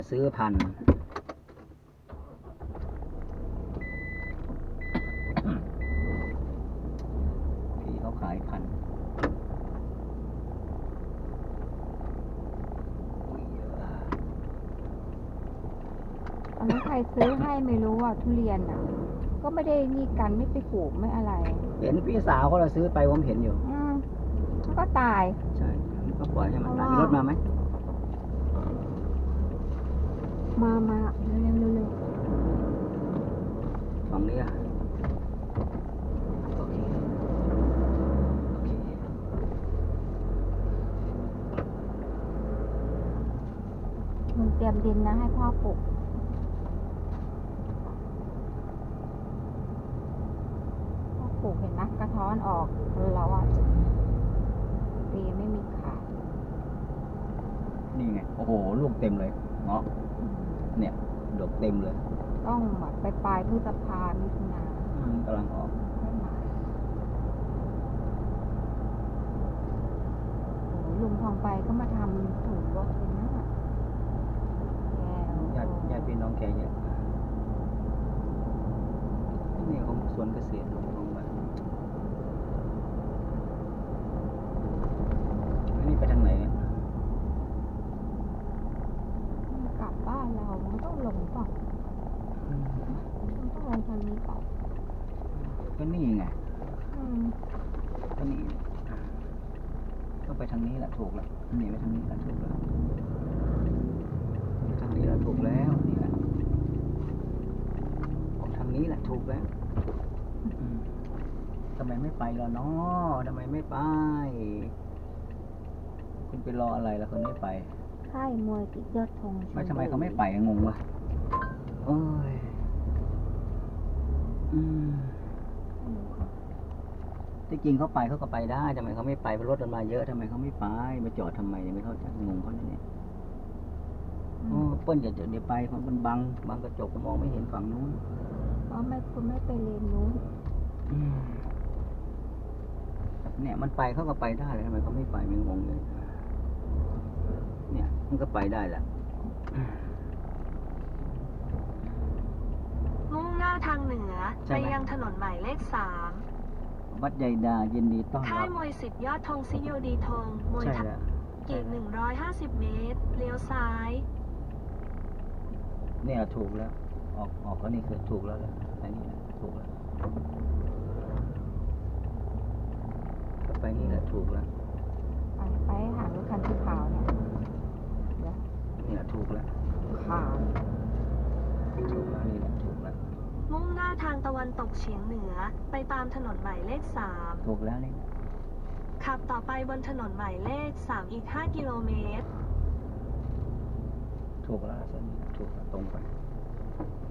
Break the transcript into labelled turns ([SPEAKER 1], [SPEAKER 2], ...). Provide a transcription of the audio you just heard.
[SPEAKER 1] ซื้อพันธุ์พี่เขาขายพันธุ์
[SPEAKER 2] อันนั้นใครซื้อให้ไม่รู้อ่ะทุเรียนอ่ะ ก็ไม่ได้นี่กันไม่ไปปลูกไม่อะไร
[SPEAKER 1] เห็นพี่สาวเขาเราซื้อไปผมเห็นอยู่
[SPEAKER 2] มันก็ตาย
[SPEAKER 1] ใช่ก็ปล่อยให้มันตายมีรถมาไหม
[SPEAKER 2] มาเร็ว
[SPEAKER 1] ฝั่งนี้อ่ะโอเคโอเค
[SPEAKER 2] มึงเตรียมดินนะให้พ่อปลูกพ่อปลูกเห็นไหมกระท้อนออกแล้วอ่ะปีไม่มีขาด
[SPEAKER 1] นี่ไงโอ้โหลูกเต็มเลยเงาะเนี่ยดกเต็มเลย
[SPEAKER 2] ต้องแบบไปปลายพฤษภามิถุนาก
[SPEAKER 1] ำลังออก
[SPEAKER 2] ไม่มาโอ้ลุงทองไปก็มาทำถูกรถเลยนะแก้ว
[SPEAKER 1] ญาติพี่น้องแกเยอะนี่ของสวนเกษตรของบ้านอันนี้ไปทางไหนเนี่ย
[SPEAKER 2] กลับบ้านเรามันต้องลงป่ะมันต้องลงทางนี้ป่ะ
[SPEAKER 1] ก็นี่ไง
[SPEAKER 2] อืม
[SPEAKER 1] ก็นี่ก็ไปทางนี้แหละถูกแล้วนี่ไปทางนี้แหละถูกแล้วทางนี้แหละถูกแล้วนี่แหละของทางนี้แหละถูกแล้วทำไมไม่ไปล่ะเนาะทำไมไม่ไป คุณไปรออะไรล่ะคุณไม่ไป
[SPEAKER 2] ค่ายมวยกิจยอดธง
[SPEAKER 1] ไม่ทำไมเขาไม่ไปงงวะโอ้ยที่จริงเขาไปเขาก็ไปได้ทำไมเขาไม่ไปเพราะรถมันมาเยอะทำไมเขาไม่ไปมาจอดทำไมเนี่ยไม่เข้าใจงงเขาเนี่ยโอ้เปิ้ลเดี๋ยวไปเพราะมันบังกระจกมองไม่เห็นฝั่งนู้น
[SPEAKER 2] เพราะไม่คุณไม่ไปเลนนู้น
[SPEAKER 1] เนี่ยมันไปเขาก็ไปได้เลยทำไมเขาไม่ไปไม่งงเลยเนี่ยมันก็ไปได้แหละ
[SPEAKER 3] มุ่งหน้าทางเหนือ
[SPEAKER 1] ใช่
[SPEAKER 3] ไป
[SPEAKER 1] ไหม
[SPEAKER 3] ยังถนนหมายเลข
[SPEAKER 1] วัดใหญ่ดายินดีต้อน
[SPEAKER 3] 3 ค่า
[SPEAKER 1] รั
[SPEAKER 3] ย
[SPEAKER 1] บ
[SPEAKER 3] มวย10 ยอดธงซิโยดีธงมวย
[SPEAKER 1] ใช่
[SPEAKER 3] ทัก
[SPEAKER 1] แล้ว
[SPEAKER 3] อีก150 เมตร เลี้ยวซ้าย
[SPEAKER 1] เนี่ยถูกแล้ว ออกก็นี่คือถูกแล้วแหละอันนี้ถูกแล้วไปนี่แหละถูกแล้ว
[SPEAKER 2] ไปหารถคันสีขาวเนี่ยเดี๋ยว
[SPEAKER 1] นี่แหละถูกแล้ว
[SPEAKER 2] ขาว
[SPEAKER 1] ถูกแล้วนี่แหละถูกแล้ว
[SPEAKER 3] มุ่งหน้าทางตะวันตกเฉียงเหนือ ไปตามถนนหมายเลข
[SPEAKER 1] ถูกแล้วนี่
[SPEAKER 3] 3 ขับต่อไปบนถนนหมายเลข 3 อีก 5 กิโลเมตร
[SPEAKER 1] ถูกแล้วเส้นนี้ถูกแล้วตรงไป